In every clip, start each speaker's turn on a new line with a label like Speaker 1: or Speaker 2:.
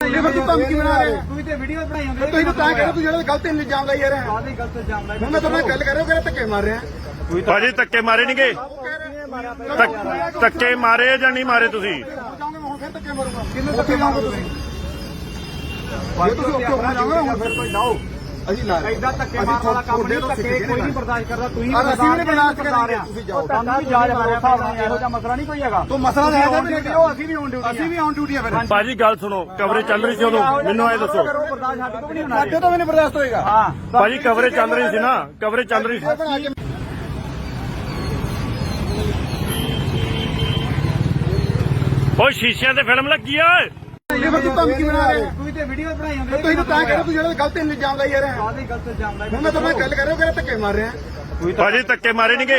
Speaker 1: ਤੂੰ ਧਮਕੀ ਬਣਾ ਰਿਹਾ
Speaker 2: ਤੂੰ ਤੇ ਵੀਡੀਓ ਬਣਾਈ ਜਾਂਦੇ
Speaker 1: ਤੂੰ ਤਾਂ ਕਹਿ ਰਿਹਾ ਤੂੰ ਜਿਹੜਾ ਗਲਤ ਇਲਜ਼ਾਮ ਲਾਈ ਜਾ ਰਿਹਾ
Speaker 2: ਆਹ ਗਲਤ ਇਲਜ਼ਾਮ ਲਾਇਆ।
Speaker 1: ਹੁਣ ਮੈਂ ਤੁਹਾਡੇ ਨਾਲ ਗੱਲ ਕਰ ਰਿਹਾ ਕਿ ਧੱਕੇ ਮਾਰ ਰਿਹਾ
Speaker 3: ਭਾਜੀ ਧੱਕੇ ਮਾਰੇ ਨਹੀਂਗੇ ਧੱਕੇ ਮਾਰੇ ਜਾਂ ਨਹੀਂ ਮਾਰੇ ਤੁਸੀਂ
Speaker 1: ਜਾਓਗੇ ਹੁਣ ਫਿਰ ਧੱਕੇ ਮਾਰੂੰਗਾ ਕਿੰਨੇ ਧੱਕੇ ਲਾਉਂਗੇ ਤੁਸੀਂ ਜੇ ਤੁਸੀਂ ਉੱਥੇ ਹੋਣਾ ਚਾਹੋਗੇ ਹੁਣ ਫਿਰ ਕੋਈ ਲਾਓ ਅਸੀਂ ਲਾ ਰਹੇ
Speaker 2: ਐਦਾਂ ਧੱਕੇ ਮਾਰਨ ਵਾਲਾ ਕੰਮ ਨਹੀਂ, ਧੱਕੇ ਕੋਈ ਨਹੀਂ ਬਰਦਾਸ਼ਤ ਕਰਦਾ। ਤੁਸੀਂ
Speaker 1: ਅਸੀਂ ਵੀ ਨਹੀਂ ਬਰਦਾਸ਼ਤ ਕਰਦੇ ਤੁਸੀਂ ਜਾਓ
Speaker 2: ਤੁਹਾਨੂੰ ਵੀ ਜਾਜ ਮਾਰੇ ਹਿਸਾਬ ਨਾਲ ਇਹੋ ਜਿਹਾ ਮਸਲਾ ਨਹੀਂ ਕੋਈ ਹੈਗਾ।
Speaker 1: ਤੂੰ ਮਸਲਾ ਹੈ ਤਾਂ
Speaker 2: ਅਸੀਂ ਵੀ ਔਨ ਡਿਊਟੀ
Speaker 1: ਅਸੀਂ ਵੀ ਔਨ ਡਿਊਟੀ ਆ ਫਿਰ
Speaker 3: ਭਾਜੀ ਗੱਲ ਸੁਣੋ ਕਵਰੇਜ ਚੱਲ ਰਹੀ ਸੀ ਉਦੋਂ ਮੈਨੂੰ ਇਹ ਦੱਸੋ
Speaker 2: ਬਰਦਾਸ਼ਤ ਸਾਡੇ ਤੋਂ ਵੀ ਨਹੀਂ ਹੋਣਾ।
Speaker 1: ਸਾਡੇ ਤੋਂ ਵੀ ਨਹੀਂ ਬਰਦਾਸ਼ਤ ਹੋਏਗਾ
Speaker 2: ਹਾਂ
Speaker 3: ਭਾਜੀ ਕਵਰੇਜ ਚੱਲ ਰਹੀ ਸੀ ਨਾ ਕਵਰੇਜ ਚੱਲ ਰਹੀ ਸੀ ਓਏ ਸ਼ੀਸ਼ਿਆਂ ਤੇ ਫਿਲਮ ਲੱਗੀ ਆ
Speaker 1: ਤੂੰ ਧਮਕੀ ਬਣਾ ਰਿਹਾ
Speaker 2: ਤੂੰ ਤੇ ਵੀਡੀਓ ਬਣਾਈ ਜਾਂਦੇ
Speaker 1: ਤੂੰ ਤਾਂ ਕਹਿ ਰਿਹਾ ਤੂੰ ਜਿਹੜਾ ਗਲਤ ਇਲਜ਼ਾਮ ਲਾਈ ਜਾ ਰਿਹਾ
Speaker 2: ਆਹ ਗਲਤ ਇਲਜ਼ਾਮ ਲਾਇਆ।
Speaker 1: ਹੁਣ ਮੈਂ ਤੁਹਾਡੇ ਨਾਲ ਗੱਲ ਕਰ ਰਿਹਾ ਕਿ ਧੱਕੇ ਮਾਰ ਰਿਹਾ
Speaker 3: ਭਾਜੀ ਧੱਕੇ ਮਾਰੇ ਨਹੀਂਗੇ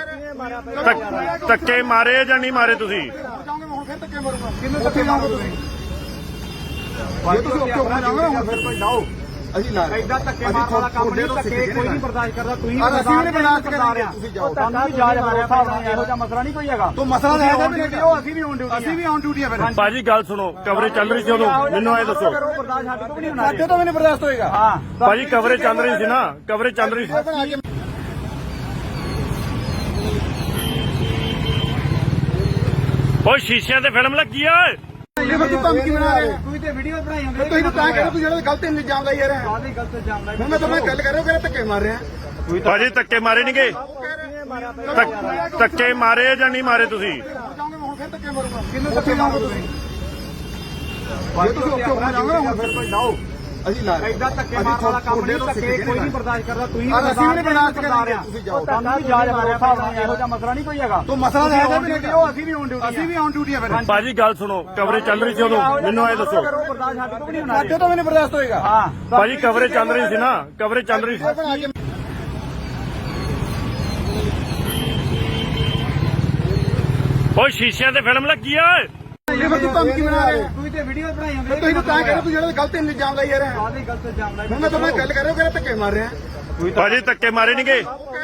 Speaker 3: ਧੱਕੇ ਮਾਰੇ ਜਾਂ ਨਹੀਂ ਮਾਰੇ ਤੁਸੀਂ
Speaker 1: ਜਾਓਗੇ ਹੁਣ ਫਿਰ ਧੱਕੇ ਮਾਰੂੰਗਾ ਕਿੰਨੇ ਧੱਕੇ ਲਾਉਂਗੇ ਤੁਸੀਂ ਜੇ ਤੁਸੀਂ ਉੱਥੇ ਹੋਣਾ ਚਾਹੋਗੇ ਹੁਣ ਫਿਰ ਕੋਈ ਲਾਓ ਅਸੀਂ ਲਾ ਰਹੇ
Speaker 2: ਐਦਾਂ ਧੱਕੇ ਮਾਰਨ ਵਾਲਾ ਕੰਮ ਨਹੀਂ, ਧੱਕੇ ਕੋਈ ਨਹੀਂ ਬਰਦਾਸ਼ਤ ਕਰਦਾ। ਤੁਸੀਂ
Speaker 1: ਅਸੀਂ ਵੀ ਨਹੀਂ ਬਰਦਾਸ਼ਤ ਕਰਦੇ ਤੁਸੀਂ ਜਾਓ
Speaker 2: ਤੁਹਾਨੂੰ ਵੀ ਜਾਜ ਮਾਰੇ ਹਿਸਾਬ ਨਾਲ ਇਹੋ ਜਿਹਾ ਮਸਲਾ ਨਹੀਂ ਕੋਈ ਹੈਗਾ।
Speaker 1: ਤੂੰ ਮਸਲਾ ਹੈ ਤਾਂ
Speaker 2: ਅਸੀਂ ਵੀ ਔਨ ਡਿਊਟੀ
Speaker 1: ਅਸੀਂ ਵੀ ਔਨ ਡਿਊਟੀ ਆ ਫਿਰ
Speaker 3: ਭਾਜੀ ਗੱਲ ਸੁਣੋ ਕਵਰੇਜ ਚੱਲ ਰਹੀ ਸੀ ਉਦੋਂ ਮੈਨੂੰ ਇਹ ਦੱਸੋ
Speaker 2: ਬਰਦਾਸ਼ਤ ਸਾਡੇ ਤੋਂ ਵੀ ਨਹੀਂ ਹੋਣਾ।
Speaker 1: ਸਾਡੇ ਤੋਂ ਵੀ ਨਹੀਂ ਬਰਦਾਸ਼ਤ ਹੋਏਗਾ
Speaker 2: ਹਾਂ
Speaker 3: ਭਾਜੀ ਕਵਰੇਜ ਚੱਲ ਰਹੀ ਸੀ ਨਾ ਕਵਰੇਜ ਚੱਲ ਰਹੀ ਸੀ ਓਏ ਸ਼ੀਸ਼ਿਆਂ ਤੇ ਫਿਲਮ ਲੱਗੀ ਆ
Speaker 1: ਤੂੰ ਧਮਕੀ ਬਣਾ ਰਿਹਾ
Speaker 2: ਤੂੰ ਤੇ ਵੀਡੀਓ ਬਣਾਈ ਜਾਂਦੇ
Speaker 1: ਤੂੰ ਤਾਂ ਕਹਿ ਰਿਹਾ ਤੂੰ ਜਿਹੜਾ ਗਲਤ ਇਲਜ਼ਾਮ ਲਾਈ ਜਾ ਰਿਹਾ
Speaker 2: ਆਹ ਗਲਤ ਇਲਜ਼ਾਮ ਲਾਇਆ।
Speaker 1: ਹੁਣ ਮੈਂ ਤੁਹਾਡੇ ਨਾਲ ਗੱਲ ਕਰ ਰਿਹਾ ਕਿ ਧੱਕੇ ਮਾਰ ਰਿਹਾ
Speaker 3: ਭਾਜੀ ਧੱਕੇ ਮਾਰੇ ਨਹੀਂਗੇ ਧੱਕੇ ਮਾਰੇ ਜਾਂ ਨਹੀਂ ਮਾਰੇ ਤੁਸੀਂ
Speaker 1: ਜਾਓਗੇ ਹੁਣ ਫਿਰ ਧੱਕੇ ਮਾਰੂੰਗਾ ਕਿੰਨੇ ਧੱਕੇ ਲਾਉਂਗੇ ਤੁਸੀਂ ਜੇ ਤੁਸੀਂ ਉੱਥੇ ਹੋਣਾ ਚਾਹੋਗੇ ਹੁਣ ਫਿਰ ਕੋਈ ਲਾਓ ਅਸੀਂ ਲਾ ਰਹੇ
Speaker 2: ਐਦਾਂ ਧੱਕੇ ਮਾਰਨ ਵਾਲਾ ਕੰਮ ਨਹੀਂ, ਧੱਕੇ ਕੋਈ ਨਹੀਂ ਬਰਦਾਸ਼ਤ ਕਰਦਾ। ਤੁਸੀਂ
Speaker 1: ਅਸੀਂ ਵੀ ਨਹੀਂ ਬਰਦਾਸ਼ਤ ਕਰਦੇ ਤੁਸੀਂ ਜਾਓ
Speaker 2: ਤੁਹਾਨੂੰ ਵੀ ਜਾਜ ਮਾਰੇ ਹਿਸਾਬ ਨਾਲ ਇਹੋ ਜਿਹਾ ਮਸਲਾ ਨਹੀਂ ਕੋਈ ਹੈਗਾ।
Speaker 1: ਤੂੰ ਮਸਲਾ ਹੈ ਤਾਂ
Speaker 2: ਅਸੀਂ ਵੀ ਔਨ ਡਿਊਟੀ
Speaker 1: ਅਸੀਂ ਵੀ ਔਨ ਡਿਊਟੀ ਆ ਫਿਰ
Speaker 3: ਭਾਜੀ ਗੱਲ ਸੁਣੋ ਕਵਰੇਜ ਚੱਲ ਰਹੀ ਸੀ ਉਦੋਂ ਮੈਨੂੰ ਇਹ ਦੱਸੋ
Speaker 2: ਬਰਦਾਸ਼ਤ ਸਾਡੇ ਤੋਂ ਵੀ ਨਹੀਂ ਹੋਣਾ।
Speaker 1: ਸਾਡੇ ਤੋਂ ਵੀ ਨਹੀਂ ਬਰਦਾਸ਼ਤ ਹੋਏਗਾ
Speaker 2: ਹਾਂ
Speaker 3: ਭਾਜੀ ਕਵਰੇਜ ਚੱਲ ਰਹੀ ਸੀ ਨਾ ਕਵਰੇਜ ਚੱਲ ਰਹੀ ਸੀ ਓਏ ਸ਼ੀਸ਼ਿਆਂ ਤੇ ਫਿਲਮ ਲੱਗੀ ਆ
Speaker 1: ਤੂੰ ਧਮਕੀ ਬਣਾ ਰਿਹਾ
Speaker 2: ਤੂੰ ਤੇ ਵੀਡੀਓ ਬਣਾਈ ਜਾਂਦੇ
Speaker 1: ਤੂੰ ਤਾਂ ਕਹਿ ਰਿਹਾ ਤੂੰ ਜਿਹੜਾ ਗਲਤ ਇਲਜ਼ਾਮ ਲਾਈ ਜਾ ਰਿਹਾ
Speaker 2: ਆਹ ਗਲਤ ਇਲਜ਼ਾਮ ਲਾਇਆ।
Speaker 1: ਹੁਣ ਮੈਂ ਤੁਹਾਡੇ ਨਾਲ ਗੱਲ ਕਰ ਰਿਹਾ ਕਿ ਧੱਕੇ ਮਾਰ ਰਿਹਾ
Speaker 3: ਭਾਜੀ ਧੱਕੇ ਮਾਰੇ ਨਹੀਂਗੇ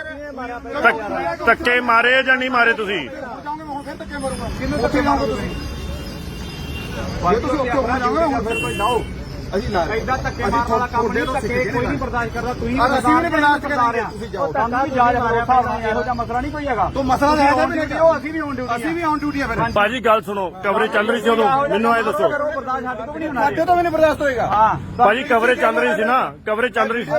Speaker 3: ਧੱਕੇ ਮਾਰੇ ਜਾਂ ਨਹੀਂ ਮਾਰੇ ਤੁਸੀਂ
Speaker 1: ਜਾਓਗੇ ਹੁਣ ਫਿਰ ਧੱਕੇ ਮਾਰੂੰਗਾ ਕਿੰਨੇ ਧੱਕੇ ਲਾਉਂਗੇ ਤੁਸੀਂ ਜੇ ਤੁਸੀਂ ਉੱਥੇ ਹੋਣਾ ਚਾਹੋਗੇ ਹੁਣ ਫਿਰ ਕੋਈ ਲਾਓ ਅਸੀਂ ਲਾ ਰਹੇ
Speaker 2: ਐਦਾਂ ਧੱਕੇ ਮਾਰਨ ਵਾਲਾ ਕੰਮ ਨਹੀਂ, ਧੱਕੇ ਕੋਈ ਨਹੀਂ ਬਰਦਾਸ਼ਤ ਕਰਦਾ। ਤੁਸੀਂ
Speaker 1: ਅਸੀਂ ਵੀ ਨਹੀਂ ਬਰਦਾਸ਼ਤ ਕਰਦੇ ਤੁਸੀਂ ਜਾਓ
Speaker 2: ਤੁਹਾਨੂੰ ਵੀ ਜਾਜ ਮਾਰੇ ਹਿਸਾਬ ਨਾਲ ਇਹੋ ਜਿਹਾ ਮਸਲਾ ਨਹੀਂ ਕੋਈ ਹੈਗਾ।
Speaker 1: ਤੂੰ ਮਸਲਾ ਹੈ ਤਾਂ
Speaker 2: ਅਸੀਂ ਵੀ ਔਨ ਡਿਊਟੀ
Speaker 1: ਅਸੀਂ ਵੀ ਔਨ ਡਿਊਟੀ ਆ ਫਿਰ
Speaker 3: ਭਾਜੀ ਗੱਲ ਸੁਣੋ ਕਵਰੇਜ ਚੱਲ ਰਹੀ ਸੀ ਉਦੋਂ ਮੈਨੂੰ ਇਹ ਦੱਸੋ
Speaker 2: ਬਰਦਾਸ਼ਤ ਸਾਡੇ ਤੋਂ ਵੀ ਨਹੀਂ ਹੋਣਾ।
Speaker 1: ਸਾਡੇ ਤੋਂ ਵੀ ਨਹੀਂ ਬਰਦਾਸ਼ਤ ਹੋਏਗਾ
Speaker 2: ਹਾਂ
Speaker 3: ਭਾਜੀ ਕਵਰੇਜ ਚੱਲ ਰਹੀ ਸੀ ਨਾ ਕਵਰੇਜ ਚੱਲ ਰਹੀ ਸੀ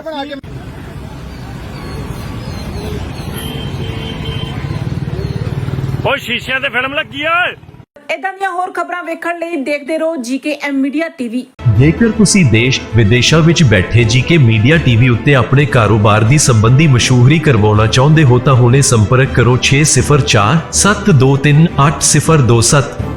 Speaker 3: ਓਏ ਸ਼ੀਸ਼ਿਆਂ ਤੇ ਫਿਲਮ ਲੱਗੀ ਆ
Speaker 4: ਇਦਾਂ ਦੀਆਂ ਹੋਰ ਖਬਰਾਂ ਵੇਖਣ ਲਈ ਦੇਖਦੇ ਰਹੋ ਜੀਕੇਐਮ ਮੀਡੀਆ ਟੀਵੀ।
Speaker 5: ਜੇਕਰ ਤੁਸੀਂ ਦੇਸ਼ ਵਿਦੇਸ਼ਾਂ ਵਿੱਚ ਬੈਠੇ ਜੀਕੇ ਮੀਡੀਆ ਟੀਵੀ ਉੱਤੇ ਆਪਣੇ ਕਾਰੋਬਾਰ ਦੀ ਸੰਬੰਧੀ ਮਸ਼ਹੂਰੀ ਕਰਵਾਉਣਾ ਚਾਹੁੰਦੇ ਹੋ ਤਾਂ ਹੁਣੇ ਸੰਪਰਕ ਕਰੋ 6047238027।